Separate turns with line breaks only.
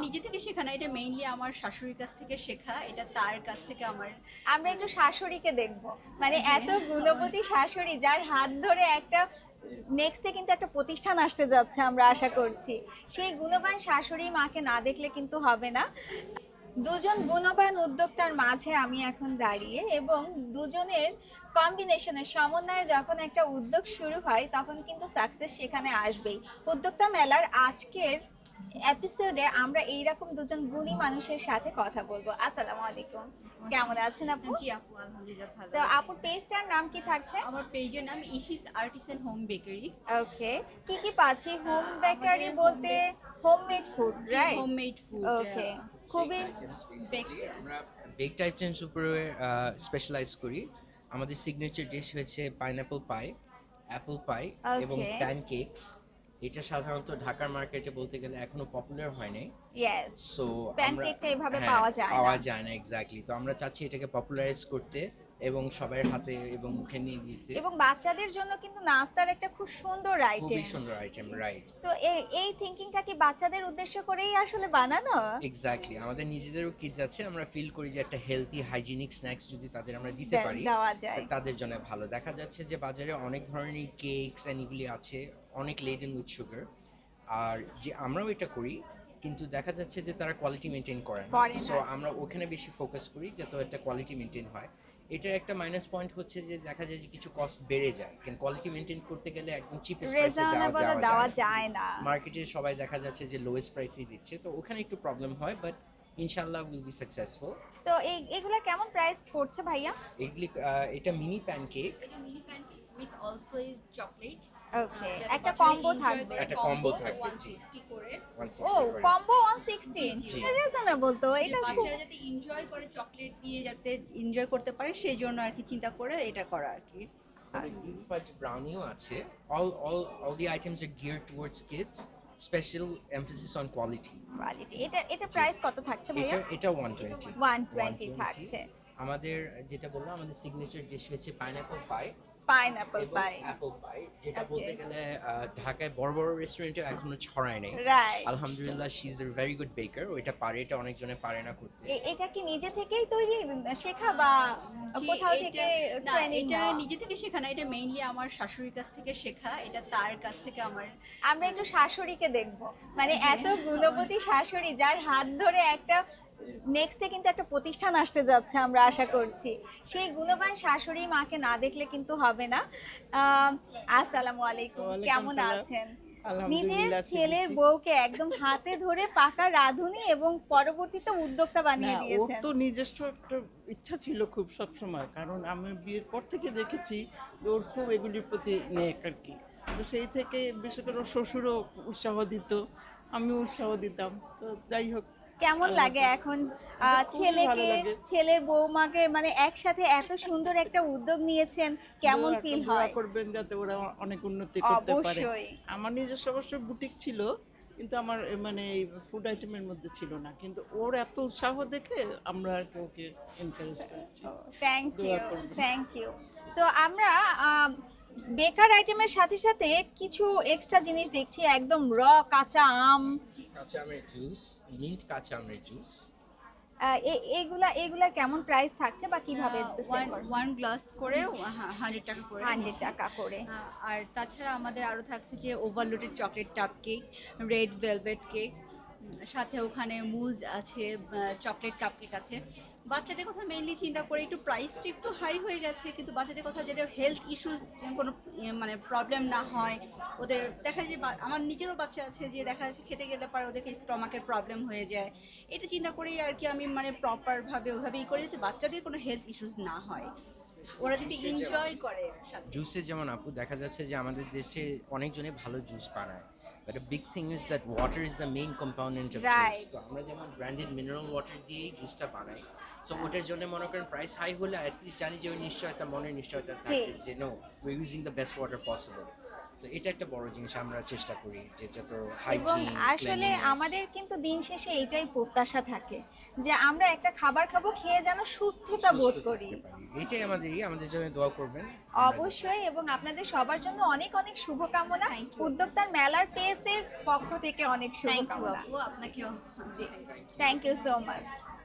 নিজে থেকে শেখা না, এটা মেইনলি আমার শাশুড়ির কাছ থেকে শেখা, এটা তার কাছ থেকে আমার।
আমরা একটু শাশুড়িকে দেখব, মানে
জি।
এত গুণবতী শাশুড়ি যার হাত ধরে একটা নেক্সটে কিন্তু একটা প্রতিষ্ঠান আসতে যাচ্ছে আমরা আশা করছি। সেই গুণবান শাশুড়ি মাকে না দেখলে কিন্তু হবে না। দুজন গুণবান উদ্যোক্তার মাঝে আমি এখন দাঁড়িয়ে, এবং দুজনের কম্বিনেশনের সমন্বয়ে যখন একটা উদ্যোগ শুরু হয় তখন কিন্তু সাকসেস সেখানে আসবেই। উদ্যোক্তা মেলার আজকের এপিসোডে আমরা এইরকম দুজন গুণী মানুষের সাথে কথা বলবো। আসসালামু আলাইকুম, কেমন আছেন আপু?
জি আপু, আলহামদুলিল্লাহ ভালো
তো
আছি।
আপুর পেজটার নাম কি থাকছে?
আমার পেজের নাম Ishi's artisan home bakery.
Okay, কি কি পাচ্ছি? হোম বেকারি বলতে homemade food, right?
Homemade food.
Okay, খুবই
আমরা বেকড আইটেমস উপরে স্পেশালাইজ করি। আমাদের সিগনেচার ডিশ হয়েছে পাইনাপল পাই, অ্যাপল পাই এবং
Okay.
প্যানকেকস। এটা সাধারণত ঢাকার মার্কেটে বলতে গেলে এখনো পপুলার হয় নাই।
ইয়েস,
সো
প্যানকেকটা এভাবে পাওয়া যায় না।
পাওয়া যায় না এক্স্যাক্টলি। তো আমরা চাচ্ছি এটাকে পপুলারাইজ করতে এবং সবার হাতে এবং মুখে নিয়ে দিতে।
এবং বাচ্চাদের জন্য কিন্তু নাস্তার একটা খুব সুন্দর আইটেম।
খুবই সুন্দর আইটেম, রাইট।
তো এই থিংকিংটা কি বাচ্চাদের উদ্দেশ্য করেই আসলে বানানো?
এক্স্যাক্টলি, আমাদের নিজেদেরও কিডস আছে, আমরা ফিল করি যে একটা হেলদি হাইজিনিক স্ন্যাক্স যদি তাদের আমরা দিতে পারি
দেওয়া যায়।
তাদের জন্য ভালো। দেখা যাচ্ছে যে বাজারে অনেক ধরনের কেকস এন্ড এগুলি আছে, অনেক লেডেন উইথ সুগার, আর যে আমরাও এটা করি, কিন্তু দেখা যাচ্ছে যে তারা কোয়ালিটি মেনটেন করে না।
করে না।
সো আমরা ওখানে বেশি ফোকাস করি যাতে একটা কোয়ালিটি মেনটেন হয়। এটার একটা মাইনাস পয়েন্ট হচ্ছে যে দেখা যায় যে কিছু কস্ট বেড়ে যায়, কিন্তু কোয়ালিটি মেনটেন করতে গেলে একদম চিপেস্ট প্রাইসে
রিজনেবল দেওয়া
দেওয়া যায়
যায় না।
মার্কেটে সবাই দেখা যাচ্ছে যে লোয়েস্ট প্রাইসেই দিচ্ছে, তো ওখানে একটু প্রবলেম হয়, বাট ইনশাআল্লাহ উইল বি সাকসেসফুল।
তো এগুলা কেমন প্রাইস পড়ছে ভাইয়া?
এগুলি এটা মিনি প্যানকেক।
এটা mini pancake with also is chocolate.
Okay, একটা কম্বো থাকবে।
একটা combo থাকবে, জি।
160 করে।
160
ও,
করে।
কম্বো 160,
জি।
রিজনেবল তো। এটা খুব
বাচ্চারা যাতে এনজয় করে, চকলেট দিয়ে যাতে এনজয় করতে পারে সেই জন্য আর কি চিন্তা করে এটা করা আর কি।
গ্রিন ফাজ ব্রাউনিও আছে। All the items are geared towards kids. Special emphasis on quality.
Quality. এটা প্রাইস কত থাকছে ভাইয়া?
এটা 120
120 থাকছে।
আমাদের যেটা বললাম, আমাদের সিগনেচার ডিশ হচ্ছে পাইনাপল পাই
পাইনাপল
এবং
পাই,
অ্যাপল পাই, যেটা
Okay.
বলতে গেলে ঢাকায় বড় বড় রেস্টুরেন্টে এখনো ছড়ায় নাই।
রাইট।
আলহামদুলিল্লাহ, she is a very good baker. ওইটা পারে, এটা অনেকজনে পারে না করতে।
এটা কি নিজে থেকেই তৈরি শেখা, বা
জি,
কোথাও
এটা-
থেকে
না,
ট্রেনিং?
এটা নিজে থেকে শেখা না, এটা মেইনলি আমার শাশুড়ির কাছ থেকে শেখা, এটা তার কাছ থেকে আমার।
আমরা একটু শাশুড়িকে দেখব, মানে
জি।
এত গুণবতী শাশুড়ি যার হাত ধরে একটা নেক্সটে কিন্তু একটা প্রতিষ্ঠান আসতে যাচ্ছে আমরা আশা করছি। সেই গুণবান শাশুড়ি মাকে না দেখলে কিন্তু হবে না। আসসালামু আলাইকুম,
ওয়ালাইকুম
কেমন
সালাম।
আছেন? নিজের
আলহামদুলিল্লাহ,
ছেলের
চিকিৎসা।
বউকে একদম হাতে ধরে পাকা রাঁধুনি এবং পরবর্তীতে উদ্যোক্তা বানিয়ে
না, ওর
দিয়েছেন।
তো নিজস্ব একটা ইচ্ছা ছিল খুব সব সময়, কারণ আমি বিয়ের পর থেকে দেখেছি যে ওর খুব এগুলির প্রতি নেক আর কি। তো সেই থেকে বিশেষ করে ওর শ্বশুরও উৎসাহ দিত, আমি উৎসাহ দিতাম। তো যাই হোক,
কেমন
আল্লাহ
লাগে
হাফেজ।
এখন
খুবই ভালো
ছেলেকে,
লাগে।
ছেলের বৌমাকে মানে একসাথে এত সুন্দর একটা উদ্যোগ নিয়েছেন, কেমন
দোয়া-
ফিল
দোয়া
হয়?
করবেন যাতে ওরা অনেক উন্নতি করতে পারে।
অবশ্যই।
আমার নিজস্ব অবশ্য বুটিক ছিল, কিন্তু আমার মানে এই ফুড আইটেমের মধ্যে ছিল না, কিন্তু ওর এত উৎসাহ দেখে আমরা আর কি ওকে এনকারেজ করেছি।
থ্যাংক
দোয়া
ইউ,
করবেন।
Thank you. সো আমরা বেকার আইটেমের সাথে সাথে কিছু এক্সট্রা জিনিস দেখছি, একদম কাঁচা আম।
কাঁচা আমের জুস, মিন্ট কাঁচা আমের জুস।
এগুলা কেমন প্রাইস থাকছে বা কিভাবে sell করেন?
ওয়ান গ্লাস করে 100 টাকা করে
100
নিচ্ছি।
টাকা করে।
আর তাছাড়া আমাদের আরও থাকছে যে ওভারলোডেড চকলেট টাপ কেক, রেড ভেলভেট কেক, সাথে ওখানে মুজ আছে, চকলেট কাপ কেক আছে। বাচ্চাদের কথা মেইনলি চিন্তা করে একটু প্রাইসটা একটু হাই হয়ে গেছে, কিন্তু বাচ্চাদের কথা যাতে হেলথ ইস্যুস কোনো মানে প্রবলেম না হয়। ওদের দেখা যায় যে আমার নিজেরও বাচ্চা আছে যে দেখা যাচ্ছে খেতে গেলে পরে ওদেরকে স্টমাকের প্রবলেম হয়ে যায়। এটা চিন্তা করেই আর কি আমি মানে প্রপারভাবে ওইভাবেই করে যাতে বাচ্চাদের কোনো হেলথ ইস্যুস না হয়, ওরা যদি এনজয় করে সাথে।
জুসে যেমন আপু দেখা যাচ্ছে যে আমাদের দেশে অনেকজনে ভালো জুস বানায়, but a big thing is that water is the main component of
Right.
juice. তো আমরা যেমন ব্র্যান্ডেড মিনারেল ওয়াটার দিয়েই জুসটা বানাই। সো ওটার জন্য মনে করেন প্রাইস হাই হলে অ্যাটলিস্ট জানি যে ওই নিশ্চয়তা, মনের নিশ্চয়তা থাকছে যে no, we using the best water possible. তো এটা একটা বড় জিনিস আমরা চেষ্টা করি যে যত
এবং
হাইজিন
আসলে আমাদের কিন্তু দিন শেষে এইটাই প্রত্যাশা থাকে যে আমরা একটা খাবার খাবো, খেয়ে যেন সুস্থতা বোধ করি।
এটাই আমাদের জন্য দোয়া করবেন।
অবশ্যই, এবং আপনাদের সবার জন্য অনেক অনেক শুভকামনা। উদ্যোক্তার মেলার পেজের পক্ষ থেকে অনেক
থ্যাংক ইউ
শুভকামনা।
আপু, আপনাকেও।
Thank you so much.